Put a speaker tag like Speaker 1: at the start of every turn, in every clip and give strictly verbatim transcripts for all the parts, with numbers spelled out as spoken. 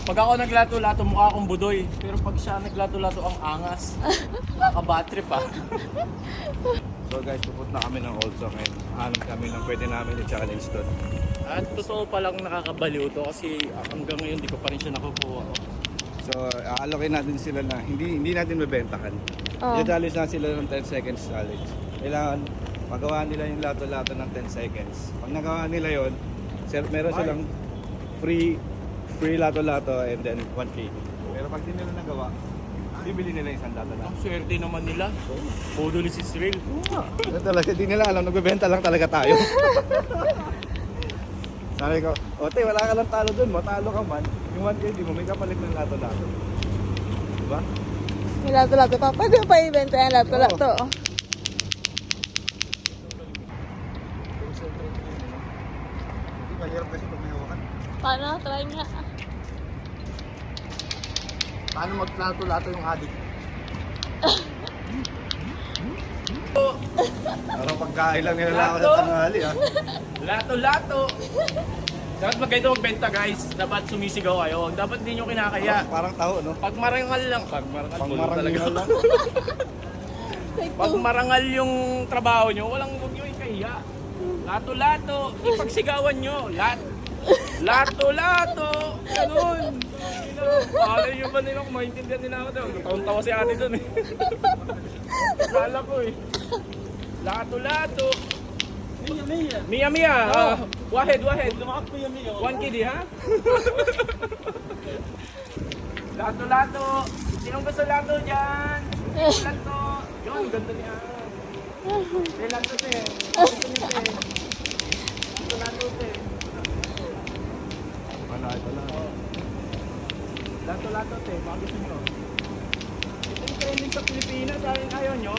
Speaker 1: Pag ako naglato-lato, mukha akong budoy. Pero pag siya naglato-lato, ang angas. Nakaka-battery pa.
Speaker 2: So guys, pupunta kami ng Olso ngayon. Hanap kami ng pwede namin i-challenge doon.
Speaker 1: At totoo palang nakakabaliw to kasi hanggang ngayon di ko pa rin siya nakukuha.
Speaker 2: So, aalokay natin sila na hindi hindi natin mabentahan.
Speaker 3: Oh.
Speaker 2: I-challenge na sila ng ten seconds challenge. Kailangan magawa nila yung lato-lato ng ten seconds. Pag nagawa nila yon, sir, meron silang free free lato-lato and then one K. Pero pag di nila nagawa, bibili nila isang lato-lato.
Speaker 1: Ang swerte naman nila. Bodoli si Cyril.
Speaker 2: Ano talaga, di nila alam, nagbebenta lang talaga tayo. Sabi ko, ote, wala ka lang talo dun, matalo ka man. Yung one K, di mo may kapalit ng lato-lato. Diba?
Speaker 3: May lato-lato pa. Pwede mo pa ibenta yan lato-lato.
Speaker 2: Hindi, mahirap kasi pag may hawakan.
Speaker 3: Paano? Try nga.
Speaker 1: Paano maglato-lato yung adik?
Speaker 2: Parang pagkain lang nila ako sa
Speaker 1: Lato?
Speaker 2: tanghali, ah.
Speaker 1: Lato-lato! Dapat magkaito magbenta guys. Dapat sumisigaw kayo. Dapat hindi nyo kinakaya.
Speaker 2: Parang, parang taho, no?
Speaker 1: Pag marangal lang. Pag marangal,
Speaker 2: Pang
Speaker 1: tulog talaga.
Speaker 2: marangal lang.
Speaker 1: Pag marangal yung trabaho nyo, walang huwag nyo ikahiya. Lato-lato. Ipagsigawan nyo. Lat. Lato-lato. Ganun. Alay nyo ba nila kung maintindihan nila ako daw? Taon-tawa si ate dun eh. Kala ko eh. Lato-lato.
Speaker 4: Mia, Mia.
Speaker 1: Mia Mia. Ah, wahed, wahed.
Speaker 4: Lumakap Mia, Mia.
Speaker 1: One kid ha? Lato-lato. Sinong gusto lato dyan? Lato. Yun, ganda niya. Eh, lato te. Gusto niyo te. Gusto lato te.
Speaker 2: Wala, wala.
Speaker 1: Lato-lato te. Baka gusto niyo. Ito yung trending sa Pilipinas. Ayaw, ayaw nyo?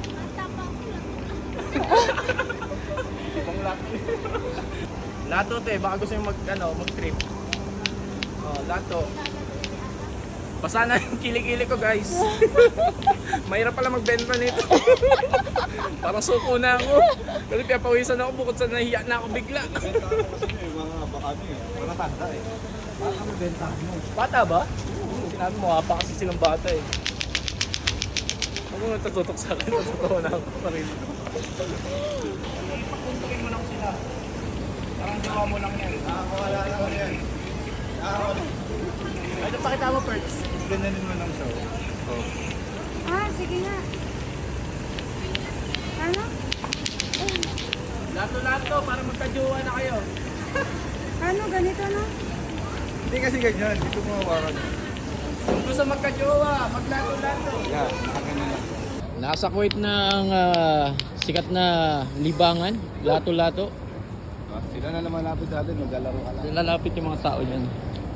Speaker 1: Ibang lato. Lato te. Baka gusto niyo mag, ano, mag-trip. Oh, lato. Basa na yung kilikili ko guys. Mahirap pala magbenta nito. Parang suko na ako. Kasi piyapawisan ako bukod sa nahiya na ako bigla.
Speaker 2: Benta ko kasi yung mga baka niyo, eh. Mga tanda eh. Parang ang benta mo.
Speaker 1: Bata ba? Sinabi mo, pa kasi silang bata eh. Ako natututok sa akin, totoo na ako pa rin. Ipakuntukin mo lang sila. Parang gawa mo lang yan.
Speaker 2: Nakakawala lang ako yan. Nakakawala.
Speaker 1: Ay, ito pakita mo first.
Speaker 2: Ganyanin mo lang siya. Oh.
Speaker 3: Ah, sige nga. Ano?
Speaker 1: Lato-lato para magkajuwa na kayo.
Speaker 3: Ano? Ganito, no?
Speaker 2: Hindi kasi ganyan, dito mo hawakan.
Speaker 1: Kung gusto magkajuwa, maglato-lato.
Speaker 2: Yeah, akin na lang.
Speaker 1: Nasa Kuwait na ang ah, sikat na libangan, lato-lato.
Speaker 2: Ah, sila na naman lapit sa atin, maglalaro ka lang.
Speaker 1: Lalapit yung mga tao dyan.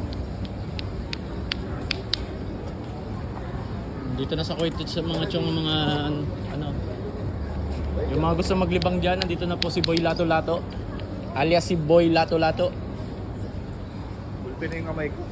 Speaker 1: Dito na sa Kuwait sa mga tiyong mga ano. Yung mga gusto maglibang dyan, nandito na po si Boy Lato Lato. Alias si Boy Lato Lato.
Speaker 2: Pulpin na yung kamay ko.